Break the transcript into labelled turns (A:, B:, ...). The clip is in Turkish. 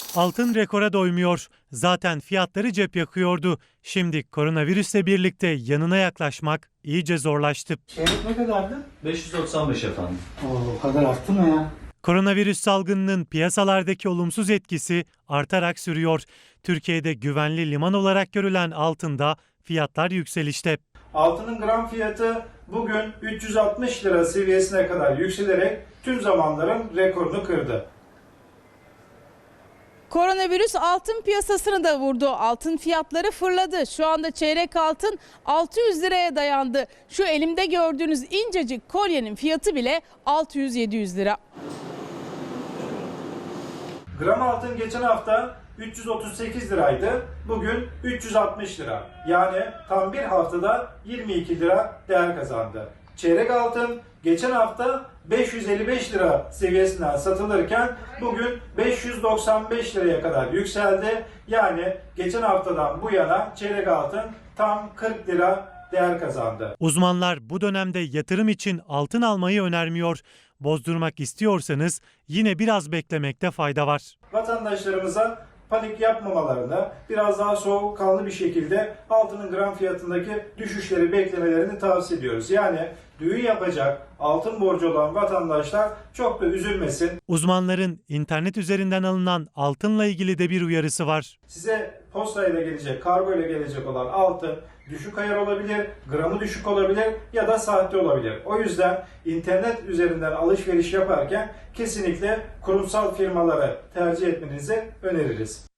A: Altın rekora doymuyor. Zaten fiyatları cep yakıyordu. Şimdi koronavirüsle birlikte yanına yaklaşmak iyice zorlaştı.
B: Çeyrek ne kadardı?
C: 595 efendim.
B: O kadar arttı mı ya?
A: Koronavirüs salgınının piyasalardaki olumsuz etkisi artarak sürüyor. Türkiye'de güvenli liman olarak görülen altında fiyatlar yükselişte.
D: Altının gram fiyatı bugün 360 lira seviyesine kadar yükselerek tüm zamanların rekorunu kırdı.
E: Koronavirüs altın piyasasını da vurdu. Altın fiyatları fırladı. Şu anda çeyrek altın 600 liraya dayandı. Şu elimde gördüğünüz incecik kolyenin fiyatı bile 600-700 lira.
D: Gram altın geçen hafta 338 liraydı. Bugün 360 lira. Yani tam bir haftada 22 lira değer kazandı. Çeyrek altın geçen hafta 555 lira seviyesinden satılırken bugün 595 liraya kadar yükseldi. Yani geçen haftadan bu yana çeyrek altın tam 40 lira değer kazandı.
A: Uzmanlar bu dönemde yatırım için altın almayı önermiyor. Bozdurmak istiyorsanız yine biraz beklemekte fayda var.
D: Vatandaşlarımıza panik yapmamalarını, biraz daha soğukkanlı bir şekilde altının gram fiyatındaki düşüşleri beklemelerini tavsiye ediyoruz. Yani düğün yapacak altın borcu olan vatandaşlar çok da üzülmesin.
A: Uzmanların internet üzerinden alınan altınla ilgili de bir uyarısı var.
D: Size postayla gelecek, kargo ile gelecek olan altın düşük ayar olabilir, gramı düşük olabilir ya da sahte olabilir. O yüzden internet üzerinden alışveriş yaparken kesinlikle kurumsal firmaları tercih etmenizi öneririz.